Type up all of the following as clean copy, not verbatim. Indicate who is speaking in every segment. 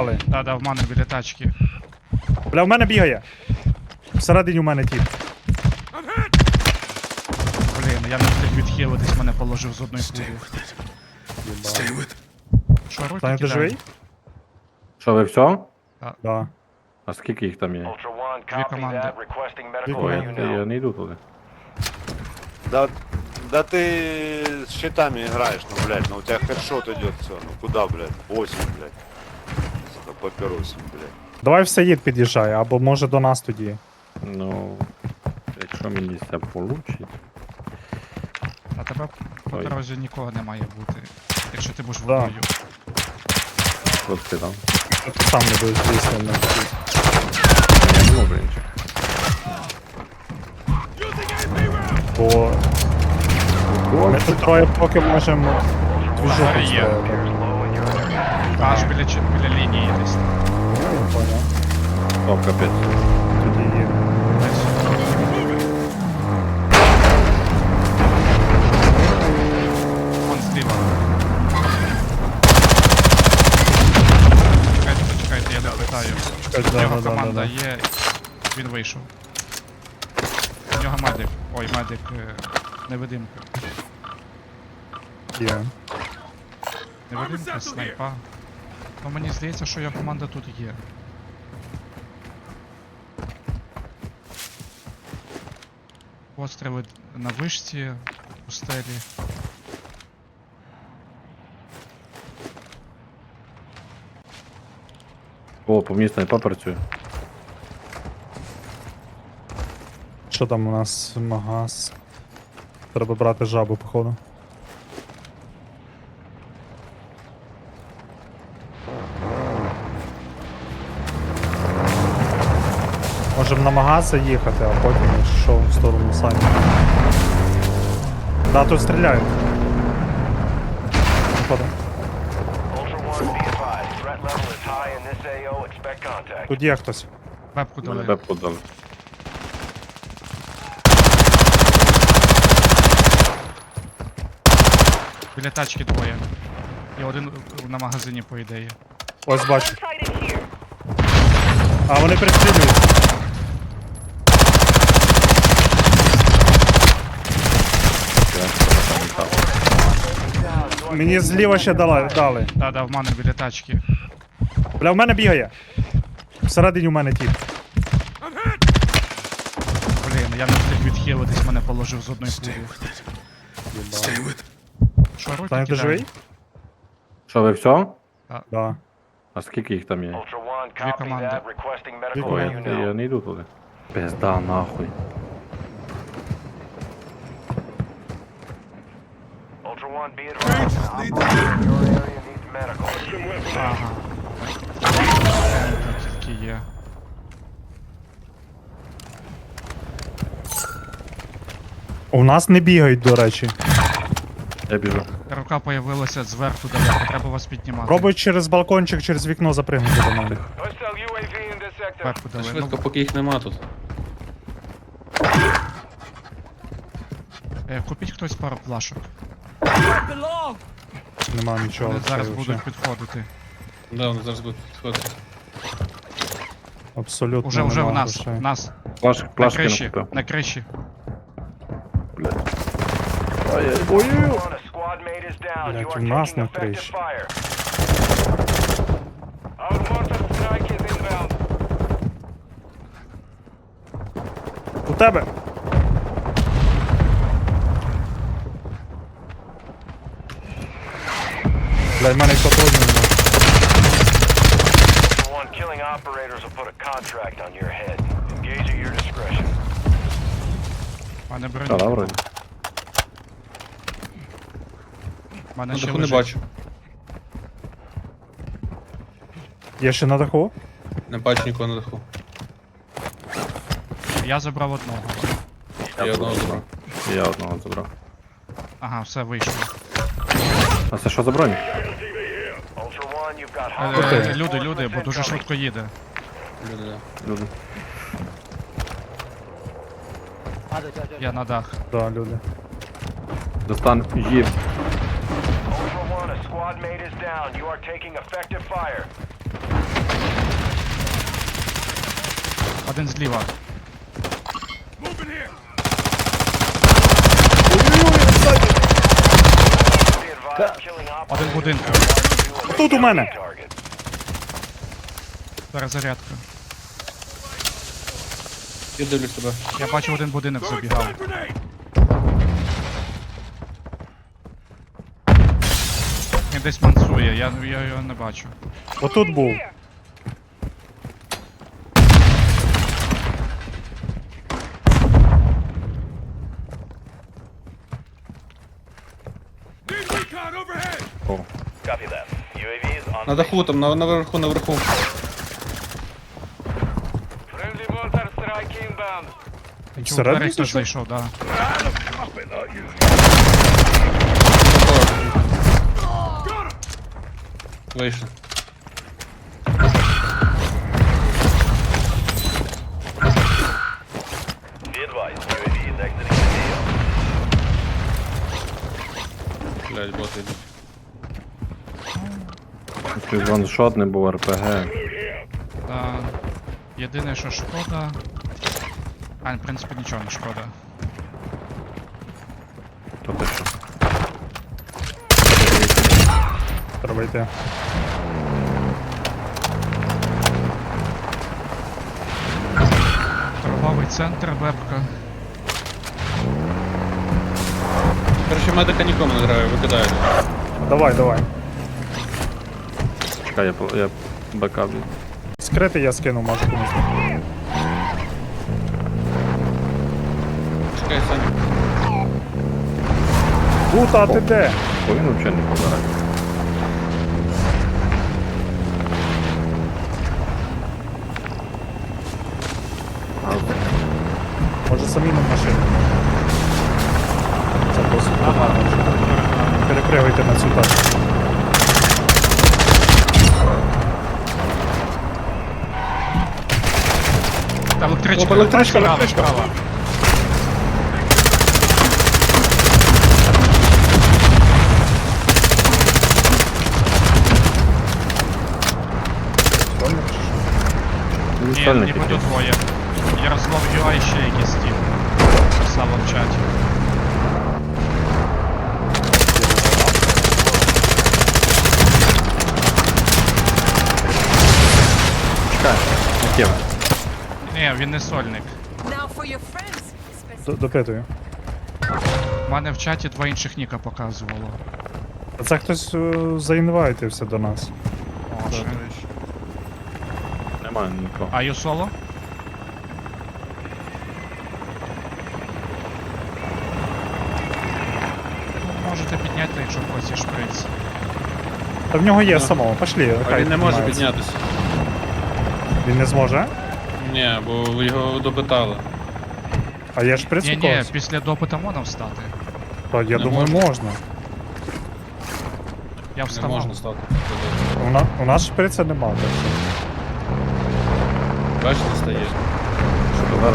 Speaker 1: дали.
Speaker 2: Да, в мене біля тачки.
Speaker 1: Бля, в мене бігає. Всередині у мене тіп.
Speaker 2: Блін, я не встиг відхилитись, мене положив з одної пулі. Що, руки
Speaker 1: Таня, ти
Speaker 2: кидаю?
Speaker 1: живий?
Speaker 3: Що, ви все?
Speaker 1: Да.
Speaker 3: А скільки їх там є?
Speaker 4: Ultra One,
Speaker 2: Дві
Speaker 4: copy
Speaker 2: команди.
Speaker 4: that. Requesting medical
Speaker 3: Ой,
Speaker 4: unit.
Speaker 3: я не йду туди.
Speaker 5: Да ты с щитами играешь, ну, блядь, ну у тебя хедшот идет все, ну куда, блядь, 8, блядь. Сука, папиросим, блядь.
Speaker 1: Давай в Саїд під'їжджай, або може до нас тоді.
Speaker 3: Ну, якщо мені це получить.
Speaker 2: А тебе по
Speaker 3: Ой.
Speaker 2: дорозі нікого не має бути. Якщо ти будеш
Speaker 1: Да.
Speaker 2: водою.
Speaker 3: От ти там.
Speaker 1: Ти сам не будеш звісно.
Speaker 3: Я не можу інших.
Speaker 1: Бо ми тут троє поки можемо двіжуху
Speaker 2: Зараз є.
Speaker 1: строїти.
Speaker 4: Low in your area.
Speaker 2: Аж біля лінії десь.
Speaker 1: Поняв.
Speaker 3: О, капець.
Speaker 1: Тоді є.
Speaker 2: Десь. Вон зліва. Чекайте, я не питаю.
Speaker 1: Чекай,
Speaker 2: У нього
Speaker 1: да.
Speaker 2: команда є, він вийшов. У нього медик. Ой, медик невидимка.
Speaker 1: Є.
Speaker 2: Невидимка, снайпа. Ну мені здається, що його команда тут є. Постріли на вишці, у стелі.
Speaker 3: О, по мені снайпа працює.
Speaker 1: Що там у нас? Магаз. Треба брати жабу, походу. Можемо на магаз заїхати, а потім йшов в сторону самі. Да, тут стріляють. Походу.
Speaker 4: Ultra One, be advised. Threat level is high in this AO. Expect contact.
Speaker 1: Тут є хтось.
Speaker 2: Вебку дали.
Speaker 3: Тебе подали.
Speaker 2: Біля тачки двоє. І один на магазині, по ідеї.
Speaker 1: Ось бачу. А вони пристрілюють. Мені зліва ще дали.
Speaker 2: Да, в мене біля тачки.
Speaker 1: Бля, в мене бігає. Всередині у мене тіп.
Speaker 2: Блін, я не встиг відхилитись, мене положив з одної пулі. Що, руки
Speaker 1: Таня, ти
Speaker 2: кидаю?
Speaker 1: живий?
Speaker 3: Що, ви все?
Speaker 1: Да.
Speaker 3: А скільки їх там є?
Speaker 4: Ultra One,
Speaker 2: Дві
Speaker 4: copy
Speaker 2: команди.
Speaker 4: that. Requesting medical
Speaker 1: команди.
Speaker 3: Ой,
Speaker 4: unit.
Speaker 3: я не йду туди. Пизда, нахуй.
Speaker 4: Ultra One, be advised. Operator in your area needs medical.
Speaker 2: Ага. Тільки є.
Speaker 1: У нас не бігають, до речі.
Speaker 3: Я біжу.
Speaker 2: Рука появилася зверху далеко, треба вас піднімати.
Speaker 1: Пробуй через балкончик, через вікно запригнути до мене.
Speaker 4: Hostile UAV in this sector.
Speaker 2: Вебку дали.
Speaker 6: Швидко, поки їх нема тут.
Speaker 2: Купіть хтось пару плашок.
Speaker 1: Нема нічого.
Speaker 2: Вони зараз
Speaker 1: це
Speaker 2: будуть
Speaker 1: вообще
Speaker 2: підходити.
Speaker 6: Да, вони зараз будуть підходити.
Speaker 1: Абсолютно.
Speaker 2: Уже
Speaker 1: нема
Speaker 2: в нас,
Speaker 1: грошей.
Speaker 2: в нас. На
Speaker 3: Плашки
Speaker 2: криші,
Speaker 3: накупив.
Speaker 2: на криші.
Speaker 4: Ultra One, a squad mate is down.
Speaker 1: Блядь,
Speaker 4: You are
Speaker 1: у нас
Speaker 4: taking
Speaker 1: на
Speaker 4: effective
Speaker 1: криші.
Speaker 4: fire. Our mortar strike is inbound.
Speaker 1: У тебе! Блядь, в мене патронів нема.
Speaker 4: Ultra One, killing operators will put a contract on your head. Engage at your discretion.
Speaker 2: У мене
Speaker 3: Та,
Speaker 2: броню.
Speaker 3: да, вроді.
Speaker 2: У мене
Speaker 6: На
Speaker 2: ще
Speaker 6: даху не
Speaker 2: лежить.
Speaker 6: бачу.
Speaker 1: Є ще на даху?
Speaker 6: Не бачу нікого на даху.
Speaker 2: Я забрав одного.
Speaker 6: Я одного забрав.
Speaker 3: Я одного забрав.
Speaker 2: Ага, все вийшло.
Speaker 3: А це що за бронь?
Speaker 4: Ultra One, you've got
Speaker 2: Люди, бо дуже швидко їде.
Speaker 6: Люди, да.
Speaker 3: Люди.
Speaker 2: Я на дах.
Speaker 1: Да, люди.
Speaker 3: Достан їв.
Speaker 4: Ultra One, a squad mate is down. You are taking effective fire.
Speaker 2: Один зліва.
Speaker 4: Be advised, killing
Speaker 2: Один
Speaker 4: operators
Speaker 2: будинку.
Speaker 1: Тут у мене.
Speaker 4: target.
Speaker 2: Перезарядка.
Speaker 6: Я дивлюсь тебе.
Speaker 2: Я бачу, один будинок забігав. Він десь мансує, я його не бачу.
Speaker 1: Отут був.
Speaker 3: О,
Speaker 4: Copy that. UAV is on.
Speaker 6: На даху там, наверху.
Speaker 4: Friendly mortar strike inbound.
Speaker 2: Чув,
Speaker 1: Всередину
Speaker 2: двері хтось
Speaker 1: зайшов?
Speaker 2: зайшов, да.
Speaker 6: Вийшов.
Speaker 4: Be advised, UAV is exiting the AO.
Speaker 6: Блядь, боти йдуть.
Speaker 3: щось ваншот не був РПГ.
Speaker 2: Да. Єдине, що шкода. А, в принципі, нічого не шкода.
Speaker 3: То те що.
Speaker 1: Треба йти.
Speaker 2: Торговий центр, вебка.
Speaker 6: Короче, медика нікому не треба, викидають.
Speaker 1: Давай, давай.
Speaker 3: Чекай, я бекап.
Speaker 1: Скрити я скину, може комусь.
Speaker 6: Чекай, Саня.
Speaker 1: Гута, а ти де?
Speaker 3: Бо він взагалі не помирає.
Speaker 1: Може самі на машину. Це досить погано. Перепригуйте на цю тачку.
Speaker 2: Та електричка.
Speaker 6: Опа, електричка,
Speaker 2: Справа,
Speaker 6: електричка.
Speaker 2: справа.
Speaker 3: Він
Speaker 2: Ні,
Speaker 3: сольник
Speaker 2: ніби
Speaker 3: якийсь.
Speaker 2: тут двоє. Ярослав Юай ще якийсь тіп. Писав в чаті.
Speaker 3: Чекай, яке?
Speaker 2: Ні, він не сольник.
Speaker 7: Now for your friends.
Speaker 1: Допитую.
Speaker 2: У мене в чаті два інших ніка показувало.
Speaker 1: А це хтось заінвайтився до нас.
Speaker 2: О, ще.
Speaker 3: Немає нікого.
Speaker 2: А ю соло? Можете підняти, якщо хочеш шприц.
Speaker 1: Та в нього є самого, пошлі.
Speaker 6: А
Speaker 1: хай
Speaker 6: він не може
Speaker 1: піднімається.
Speaker 6: піднятися.
Speaker 1: Він не зможе?
Speaker 6: Ні, бо його допитали.
Speaker 1: А є шприц у
Speaker 2: Ні,
Speaker 1: когось?
Speaker 2: після допита можна встати.
Speaker 1: То я
Speaker 6: Не
Speaker 1: думаю,
Speaker 6: можна.
Speaker 1: можна.
Speaker 2: Я
Speaker 6: Не
Speaker 2: вставав.
Speaker 6: можна стати.
Speaker 1: У нас шприця нема. Так що.
Speaker 6: Бачиш, не стає.
Speaker 3: Що зараз?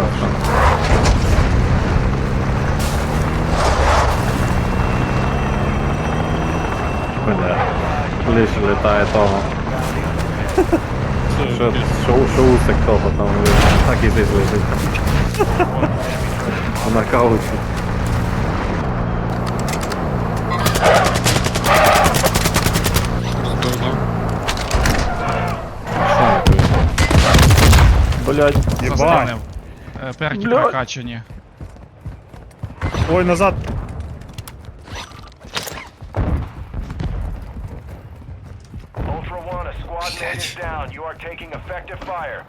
Speaker 3: Бля, лише літає того. Що усик того там так і десь лежить. На каучі. Блять,
Speaker 1: Єбать.
Speaker 2: Застанив. Перки
Speaker 3: Блядь.
Speaker 2: прокачані.
Speaker 1: Ой, назад.
Speaker 4: Ultra One, a squad mate is down. You are taking effective fire.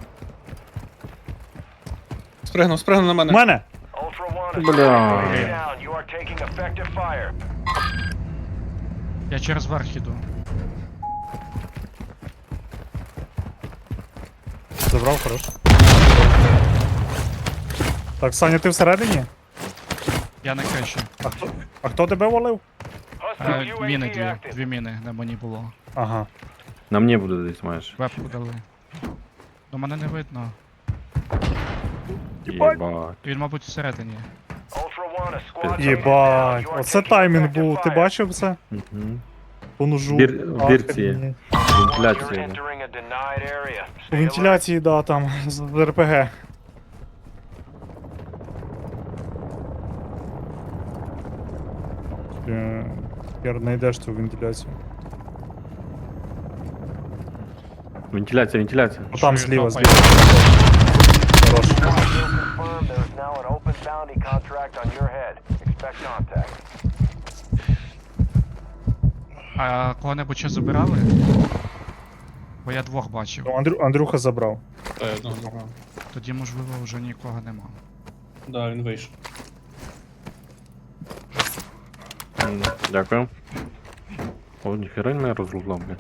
Speaker 6: Спригнув на
Speaker 1: У
Speaker 6: мене.
Speaker 1: мене!
Speaker 4: Ultra One, a
Speaker 3: Бля.
Speaker 4: squad mate is down. You are taking effective fire.
Speaker 2: Я через верх іду.
Speaker 1: Забрав, хорош. Так, Саня, ти всередині?
Speaker 2: Я на криші.
Speaker 1: А хто тебе волив?
Speaker 4: Hostile
Speaker 2: Міни
Speaker 4: UAV
Speaker 2: дві.
Speaker 4: active.
Speaker 2: Дві міни на мені було.
Speaker 1: Ага.
Speaker 3: на мені буде десь маєш.
Speaker 2: Вебку дали. До мене не видно.
Speaker 3: Єбать.
Speaker 2: Він, мабуть, всередині.
Speaker 4: Ultra One, a squad mate is down.
Speaker 1: Єбать,
Speaker 4: You are
Speaker 1: оце
Speaker 4: taking
Speaker 1: таймінг
Speaker 4: effective
Speaker 1: був. Ти
Speaker 4: fire.
Speaker 1: бачив це?
Speaker 3: Мгм.
Speaker 1: По ножу.
Speaker 3: В бірці.
Speaker 1: Охренеть.
Speaker 4: You're
Speaker 3: Вентиляція.
Speaker 4: entering a denied area.
Speaker 1: У
Speaker 4: Stay alert.
Speaker 1: вентиляції, да, там, з РПГ. Хер знайдеш цю вентиляцію.
Speaker 3: Вентиляція, вентиляція.
Speaker 1: О, там
Speaker 2: Чую,
Speaker 1: зліва,
Speaker 2: топає.
Speaker 1: зліва. Хорош.
Speaker 4: Still confirmed there is now an open bounty contract on your head. Expect contact.
Speaker 2: А кого-небудь ще забирали? Бо я двох бачив.
Speaker 1: Ну, Андрюха забрав.
Speaker 6: Та я одного забрав.
Speaker 2: Тоді, можливо, вже нікого нема.
Speaker 6: Да, він вийшов.
Speaker 3: Дякую. О, ніхера він мене розлуглав, блядь.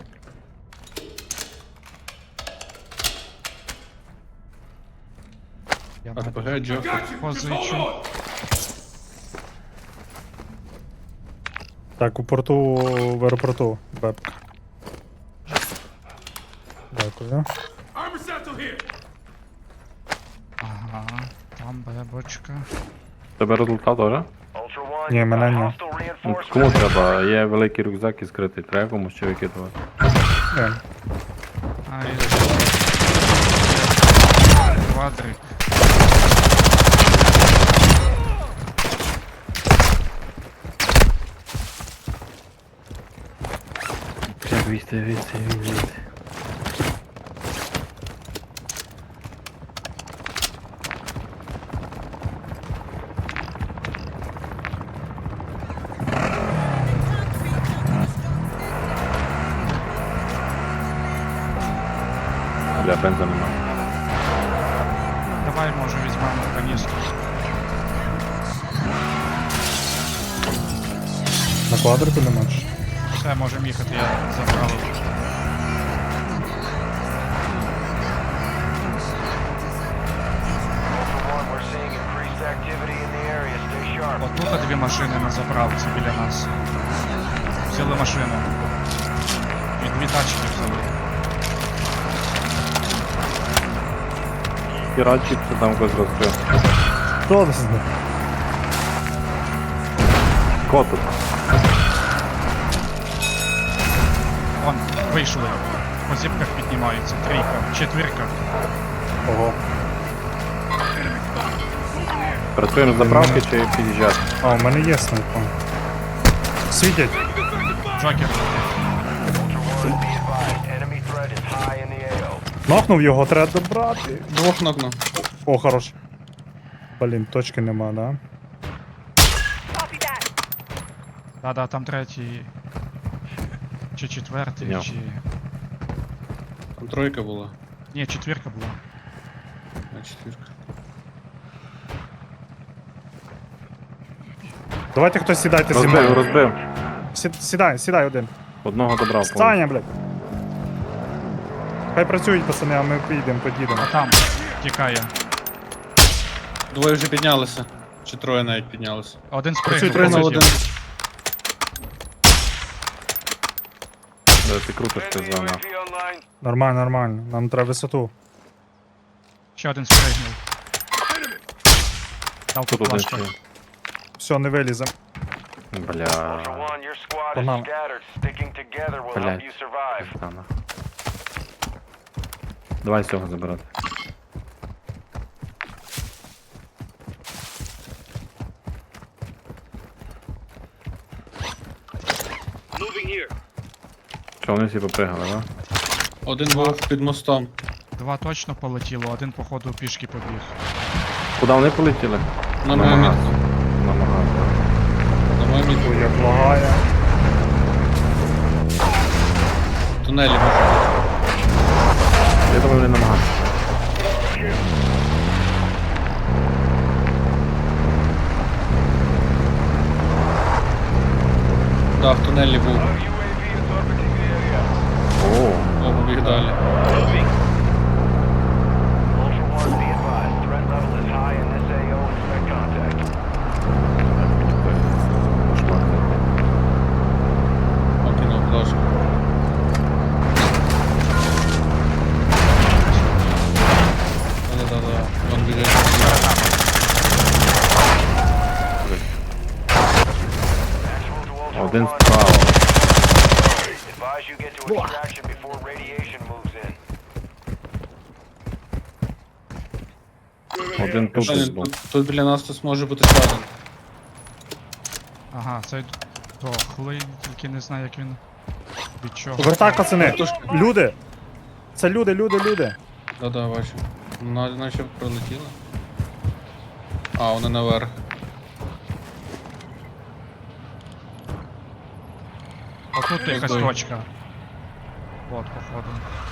Speaker 2: Я
Speaker 6: РПГ, Джофер.
Speaker 2: позичу.
Speaker 1: Так, у порту, в аеропорту, бебка. Дякую.
Speaker 2: Ага, там бебочка.
Speaker 3: Тебе результат теж?
Speaker 4: Ultra One,
Speaker 1: Ні, мене ні.
Speaker 4: hostile
Speaker 3: Ну,
Speaker 4: reinforcements.
Speaker 3: кому треба? Є великий рюкзак і скритий. Треба комусь ще викидувати.
Speaker 1: Ні.
Speaker 2: Ай. Квадрик.
Speaker 3: Як війти. Бля, бенза нема.
Speaker 2: Давай, може, візьмемо каністру.
Speaker 1: На квадрику не можеш?
Speaker 2: Все, можемо їхати, я забрав.
Speaker 4: Ultra One, we're seeing increased activity in the area. Stay sharp.
Speaker 2: Отут дві машини на заправці біля нас. Взяли машину. І дві тачки взяли.
Speaker 3: Піратчик, це там когось розкрив.
Speaker 1: Хто це?
Speaker 3: Кот тут.
Speaker 2: Вон, вийшли. По зіпках піднімаються. Трійка, четвірка.
Speaker 1: Ого.
Speaker 3: Працюємо з заправки чи під'їжджати?
Speaker 1: А, у мене є снайпа. Світять.
Speaker 2: Джокер.
Speaker 4: Ultra One, be advised. Enemy threat is high in the AO.
Speaker 1: Нокнув його, треба добрати.
Speaker 6: Двох нокнув.
Speaker 1: О, хорош. Блін, точки нема, да?
Speaker 7: Copy that.
Speaker 2: Да-да, там третій. Чи четвертий,
Speaker 3: Підняв.
Speaker 2: чи.
Speaker 6: Там тройка була.
Speaker 2: Ні, четвірка була.
Speaker 6: А четвірка.
Speaker 1: Давайте хтось сідайте зі
Speaker 3: Розбив,
Speaker 1: мною.
Speaker 3: розбив.
Speaker 1: Сідай один.
Speaker 3: Одного добрав.
Speaker 1: Саня, блядь. Хай працюють, пацани, а ми поїдемо.
Speaker 2: А там тікає.
Speaker 6: Двоє вже піднялися. Чи троє навіть піднялися.
Speaker 2: Один
Speaker 1: Працюй,
Speaker 2: спригнув.
Speaker 1: тренув
Speaker 6: один.
Speaker 2: полетів.
Speaker 3: Ти крутиш ти
Speaker 4: Enemy
Speaker 3: за нас.
Speaker 4: UAV online.
Speaker 1: Нормально, нормально. Нам треба висоту.
Speaker 2: Ще один спригнув. Дав
Speaker 3: Тут
Speaker 2: тут
Speaker 3: один
Speaker 2: флешку.
Speaker 3: ще.
Speaker 1: Все, не вилізем.
Speaker 4: Ultra
Speaker 3: Бля.
Speaker 4: One, your squad is
Speaker 1: Погнали.
Speaker 4: scattered. Sticking together will help
Speaker 3: Блядь.
Speaker 4: you survive.
Speaker 3: Пизда, давай цього забирати. Що, вони всі попригали, да?
Speaker 6: Один був під мостом.
Speaker 2: Два точно полетіло, один, походу, пішки побіг.
Speaker 3: Куди вони полетіли?
Speaker 6: На мою
Speaker 3: магаз.
Speaker 6: мітку.
Speaker 3: На магаз.
Speaker 6: На мою мітку.
Speaker 1: Ой, як лагає.
Speaker 6: В тунелі може бути.
Speaker 3: Я думаю, вони на магаз.
Speaker 6: Да, в тунелі був.
Speaker 4: UAV is orbiting the area.
Speaker 3: О,
Speaker 6: О, побіг далі.
Speaker 4: Ultra One, be advised. Threat level is high in this AO. Expect contact.
Speaker 3: кошмар.
Speaker 6: Окинув флешку. Да-да-да. Вон біжить.
Speaker 4: Actual to Ultra
Speaker 3: Один
Speaker 4: One.
Speaker 3: справа.
Speaker 4: Advise you get to extraction before radiation moves in.
Speaker 3: Один тут
Speaker 6: Саня,
Speaker 3: десь був.
Speaker 6: тут біля нас тут може бути ще один.
Speaker 2: Ага, цей дохлий, тільки не знаю, як він. Від чого.
Speaker 1: Повертай, пацани. Люди. Це люди.
Speaker 6: Да, бачу. Наче прилетіли. А, вони наверх.
Speaker 2: Отут якась
Speaker 6: Здорово.
Speaker 2: точка. От, походу.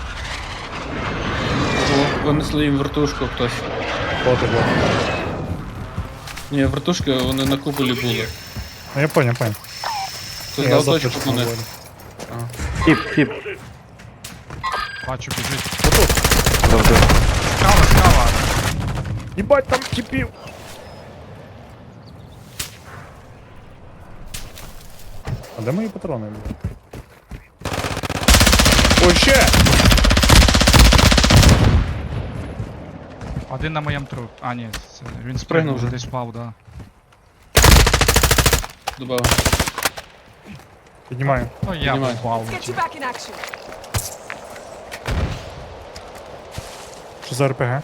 Speaker 6: О, винесли їм вертушку хтось.
Speaker 1: Боти.
Speaker 6: Ні, вертушки, вони на куполі були.
Speaker 1: Ну я понял.
Speaker 6: Хтось
Speaker 1: Я
Speaker 6: дав
Speaker 1: завтра
Speaker 6: точку
Speaker 1: ж
Speaker 6: по них.
Speaker 1: говорю.
Speaker 3: Тіп.
Speaker 2: Бачу, біжить.
Speaker 3: Завжди.
Speaker 2: Справа!
Speaker 1: Єбать, там тіпів. А де мої патрони? блядь? Ой, ще!
Speaker 2: Один на моєму труп. А, ні, це... він
Speaker 6: Спригнув
Speaker 2: спригнув,
Speaker 6: вже.
Speaker 2: десь впав, да.
Speaker 6: Добавив.
Speaker 1: Піднімаю.
Speaker 2: Ну, я
Speaker 6: Піднімай.
Speaker 2: впав.
Speaker 7: Get you back in action.
Speaker 1: Що за РПГ?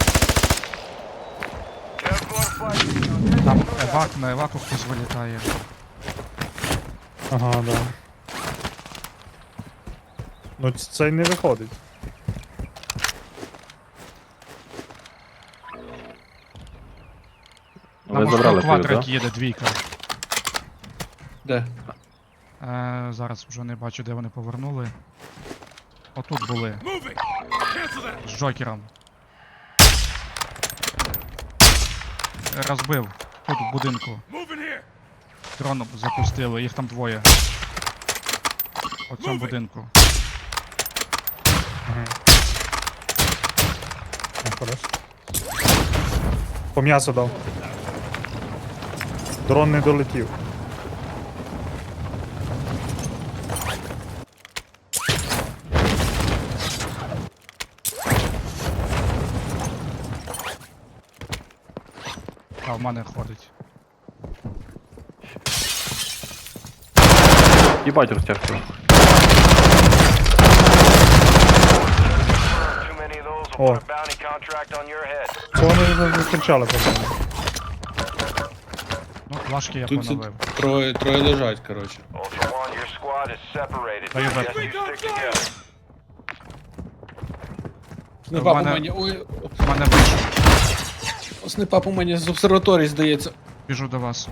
Speaker 2: Там евак, на еваку хтось вилітає.
Speaker 1: Ага, да. Ну цей не виходить.
Speaker 2: На
Speaker 3: Ви
Speaker 2: мосту
Speaker 3: забрали твою,
Speaker 2: квадрик
Speaker 3: так?
Speaker 2: їде, двійка.
Speaker 6: Де?
Speaker 2: Зараз вже не бачу, де вони повернули. Отут були. З Джокером. Розбив. Тут в будинку. Дрон запустили, їх там двоє. У цьому будинку.
Speaker 1: Ну, хорош. По м'ясу дав. Дрон не долетів.
Speaker 2: А, в мене ходить.
Speaker 3: Їбать розтяжку.
Speaker 4: Too many of those will
Speaker 1: Oh.
Speaker 4: put a bounty contract on your head.
Speaker 1: Цього не зустрічали, по-моєму.
Speaker 2: Ну, флажки я
Speaker 6: Тут ці
Speaker 2: поновив.
Speaker 6: троє лежать, коротше.
Speaker 4: Ultra One, your squad is separated.
Speaker 2: Are you back?
Speaker 4: Suggest you stick together.
Speaker 6: Снайпа по
Speaker 2: мене-
Speaker 6: мені. Ой,
Speaker 2: В мене вийшов.
Speaker 6: снайпа по мені з обсерваторії, здається.
Speaker 2: Біжу до вас.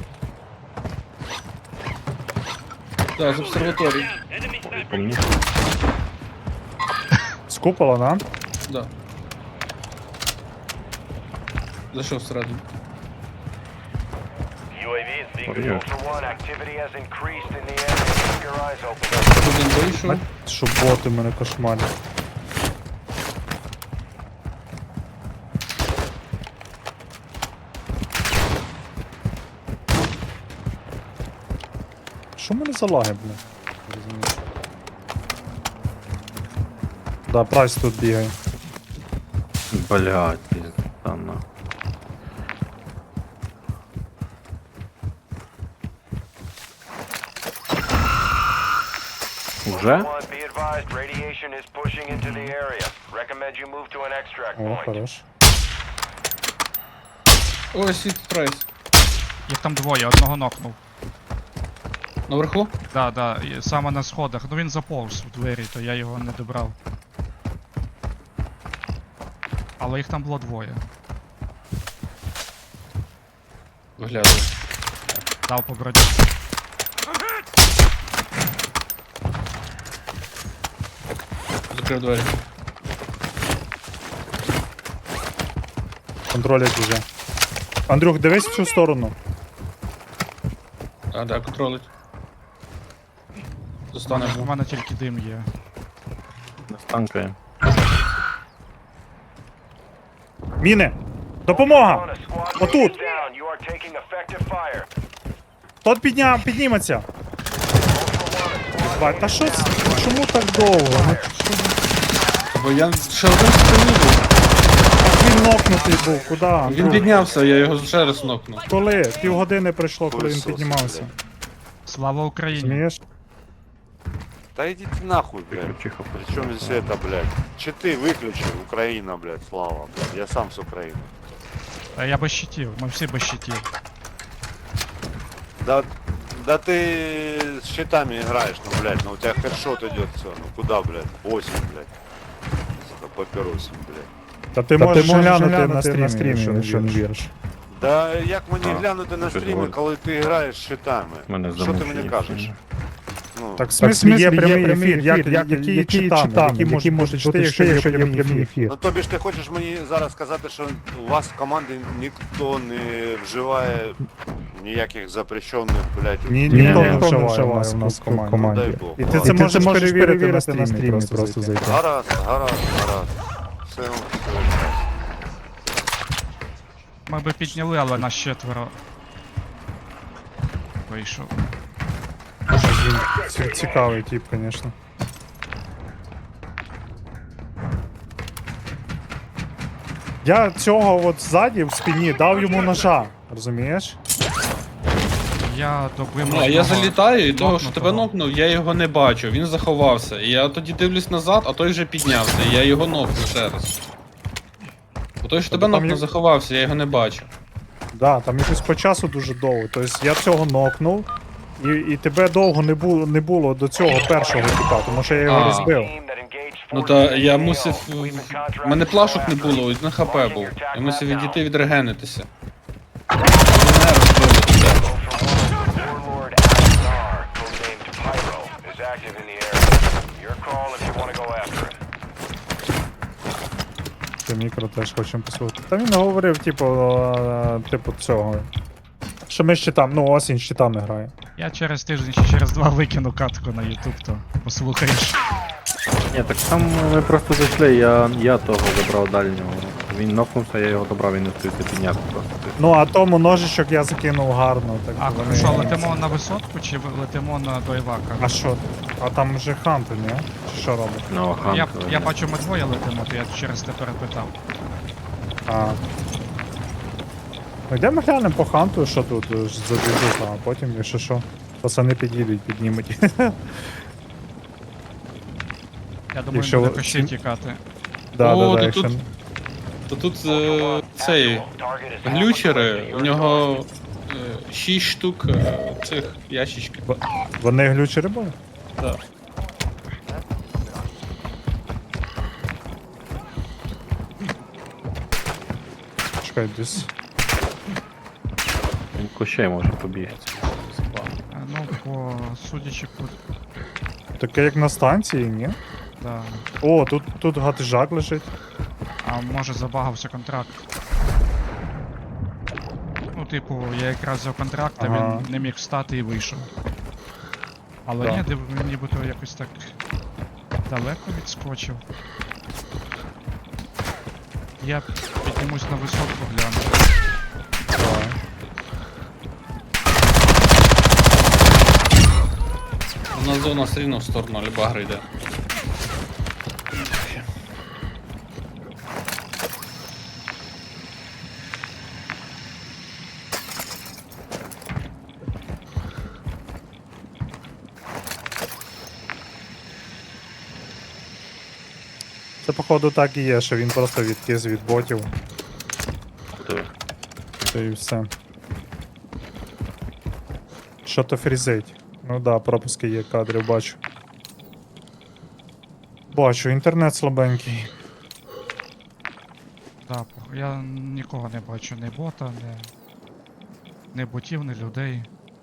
Speaker 6: Так, з обсерваторії.
Speaker 3: По мені.
Speaker 1: З купола, да?
Speaker 6: Да. Зайшов всередину.
Speaker 4: UAV is being
Speaker 3: Oh, yeah.
Speaker 4: Ultra One. Activity has increased in the area. Keep your eyes open.
Speaker 6: Один вийшов.
Speaker 1: Що боти мене кошмарять. Що в мене за лаги, блін? Не розумію. Да, прайс тут бігає.
Speaker 3: Блядь, пізда на. Уже?
Speaker 4: One, be advised, radiation is pushing into the area. Recommend you move to an extract
Speaker 1: О,
Speaker 4: point.
Speaker 1: хорош.
Speaker 6: Ось і прайс.
Speaker 2: Їх там двоє, одного нокнув.
Speaker 6: Наверху?
Speaker 2: Да, і саме на сходах. Ну він заповз в двері, то я його не добрав. Але їх там було двоє.
Speaker 6: Виглядає.
Speaker 2: Дав по броді.
Speaker 6: Закрив двері.
Speaker 1: Контролять уже. Андрюх, дивись в цю сторону.
Speaker 6: А, да, контролить.
Speaker 2: У
Speaker 6: Достане.
Speaker 2: мене тільки дим є.
Speaker 3: Не станкає.
Speaker 1: Міни! Допомога!
Speaker 4: One, a squad
Speaker 1: Отут.
Speaker 4: mate is down. You are taking effective fire.
Speaker 1: Тот підніметься.
Speaker 4: Ultra One, a squad
Speaker 1: Бать,
Speaker 4: mate
Speaker 1: та
Speaker 4: is
Speaker 1: що це?
Speaker 4: down.
Speaker 1: Чому так довго? Ну,
Speaker 6: Бо я ще один спині був.
Speaker 1: він нокнутий був, куди?
Speaker 6: Він
Speaker 1: Андрюх?
Speaker 6: піднявся, я його ще раз нокнув.
Speaker 1: Коли? Півгодини пройшло, коли він
Speaker 5: Хуйсос,
Speaker 1: піднімався.
Speaker 5: блядь.
Speaker 2: Слава Україні!
Speaker 1: Змієш?
Speaker 5: Да идите нахуй, блядь.
Speaker 3: Тихо.
Speaker 5: Причем здесь это, блядь? Читы выключи, Украина, блядь, слава, блядь. Я сам с Украины.
Speaker 2: Та я без щитів, ми всі без щитів.
Speaker 5: Да ты с щитами играешь, ну, блядь, ну у тебя хедшот идет все, ну куда, блядь, 8, блядь. Сука, папиросим, блядь.
Speaker 1: Та ти можеш глянути на стрімі, якщо не віриш.
Speaker 5: Да як мені
Speaker 3: А,
Speaker 5: глянути на
Speaker 3: щось
Speaker 5: стріми,
Speaker 3: говорить.
Speaker 5: коли ти граєш з щитами?
Speaker 3: Мене
Speaker 5: Що ти мені
Speaker 3: замовчує.
Speaker 5: кажеш? Ну,
Speaker 1: Так в смислі є прямий ефір, які читами, які можуть чити, якщо є прямий ефір.
Speaker 5: ну тобі ж ти хочеш мені зараз сказати, що у вас в команді ніхто не вживає ніяких запрещених, блядь,
Speaker 1: Ніхто не вживає у нас в
Speaker 5: Дай
Speaker 1: команді.
Speaker 5: Бог.
Speaker 1: І ти це можеш перевірити на стрімі, просто зайти.
Speaker 5: Гаразд. Все, все.
Speaker 2: Ми би підняли, але нас 4 вийшов.
Speaker 1: Цікавий тип, звісно. Я цього от ззаді в спині дав йому ножа, розумієш?
Speaker 2: Я добив.
Speaker 6: Ну, а я
Speaker 2: одного
Speaker 6: залітаю, і того, що тебе
Speaker 2: нокнутого.
Speaker 6: нокнув, я його не бачу, він заховався. І я тоді дивлюсь назад, а той вже піднявся, і я його нокнув ще раз. Бо той, що тебе
Speaker 1: там
Speaker 6: нокнув,
Speaker 1: є-
Speaker 6: заховався, я його не бачу.
Speaker 1: Да, там якось по часу дуже довго. Тобто я цього нокнув, і тебе довго не було до цього першого типа, тому що я його
Speaker 6: А.
Speaker 1: розбив.
Speaker 6: Ну та я мусив. У мене плашок не було, один хп був. Я мусив відійти відрегенитися. Вони не розбили тебе.
Speaker 4: Warlord Aznar, codenamed Pyro, is active in the area. Your call if you want to go after him.
Speaker 1: Це мікро теж хочемо послухати. Та він говорив, типу цього. Що ми з щитами, ну осінь з щитами грає.
Speaker 2: Я через тиждень чи через 2 викину катку на YouTube, то послухаєш.
Speaker 3: Ні, так там ми просто зайшли, я того забрав дальнього. Він нокнувся, я його добрав, він не встигся підняти просто.
Speaker 1: Ну а тому ножичок я закинув гарно. Так
Speaker 2: А
Speaker 1: вони-
Speaker 2: що, летимо на висотку чи летимо до Івака?
Speaker 1: А що? А там вже ханти, ні? Чи що робить?
Speaker 3: Ну,
Speaker 2: Я бачу, ми двоє летимо, то я через те перепитав.
Speaker 1: А. Ну йдемо глянемо по ханту, що тут за движуха, а потім, якщо що, пацани під'їдуть, піднімуть.
Speaker 2: Я думаю,
Speaker 1: Якщо
Speaker 2: буде
Speaker 1: ви-
Speaker 2: кощі тікати.
Speaker 1: Да,
Speaker 6: О,
Speaker 1: да,
Speaker 6: то
Speaker 1: якщо...
Speaker 6: тут- То тут цей глючери, у нього 6 штук цих ящичків.
Speaker 1: Вони глючери були?
Speaker 6: Так.
Speaker 1: Чекай, десь.
Speaker 3: Він кощей може побігти.
Speaker 2: Ну, судячи по...
Speaker 1: Таке як на станції, ні?
Speaker 2: Да.
Speaker 1: О, тут гатижак лежить.
Speaker 2: А може забагався контракт. Ну, типу, я якраз взяв контракт, а
Speaker 1: Ага.
Speaker 2: він не міг встати і вийшов. Але
Speaker 1: Да.
Speaker 2: ні, нібито якось так далеко відскочив. Я піднімусь на висотку гляну.
Speaker 1: Давай.
Speaker 6: У нас зона все рівно в сторону Альбагри йде.
Speaker 1: Це походу так і є, що він просто відкис від ботів,
Speaker 3: То
Speaker 1: та і все. Що то фрізить? Ну да, пропуски є, кадрів бачу. Бачу, інтернет слабенький.
Speaker 2: Да, я нікого не бачу, ні бота, ні ботів, ні людей.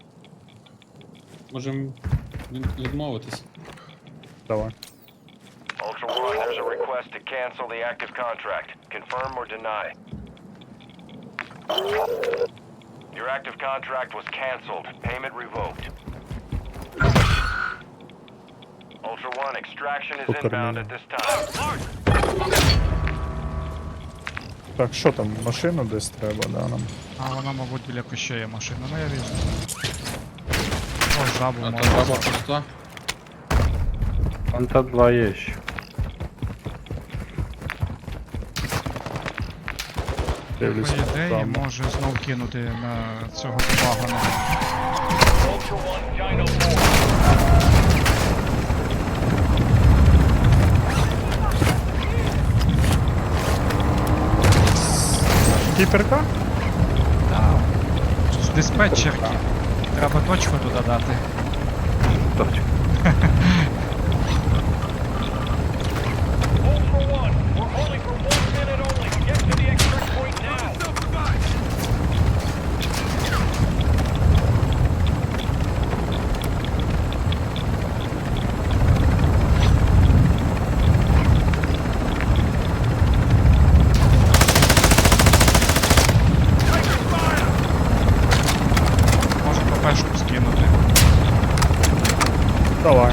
Speaker 6: Можемо відмовитись.
Speaker 1: Давай.
Speaker 4: Ultra One, there's a request to cancel the active contract. Confirm or deny. Your active contract was canceled. Payment revoked. Ultra One, extraction is inbound at this time.
Speaker 1: Так, що там, машину десь треба, да, нам?
Speaker 2: А вона, мабуть, біля кощея машина. Ну я візьму. О, жабу
Speaker 6: А
Speaker 2: можна.
Speaker 6: то баба пуста.
Speaker 3: Фанта 2 є ще.
Speaker 1: Дивлюсь.
Speaker 2: По ідеї,
Speaker 1: там.
Speaker 2: може знов кинути на цього вагона.
Speaker 1: Кіперка?
Speaker 2: Так. З диспетчерки. Треба точку туди дати.
Speaker 3: Точно.
Speaker 4: Ultra One, we're holding for 1 minute only. Get to the extract point now.
Speaker 2: Можу ППшку скинути.
Speaker 1: Давай.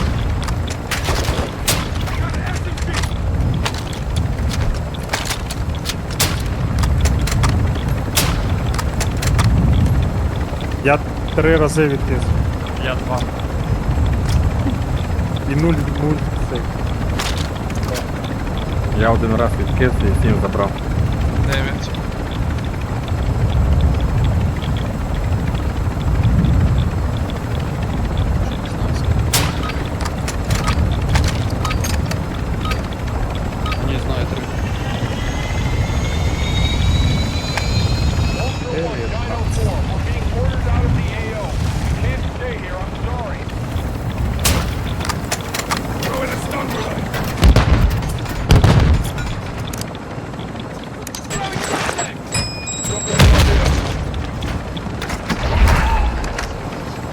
Speaker 1: Я 3 рази відкис.
Speaker 2: Я 2.
Speaker 1: І 0 цей.
Speaker 3: Я один раз відкис і 7 забрав.
Speaker 2: 9.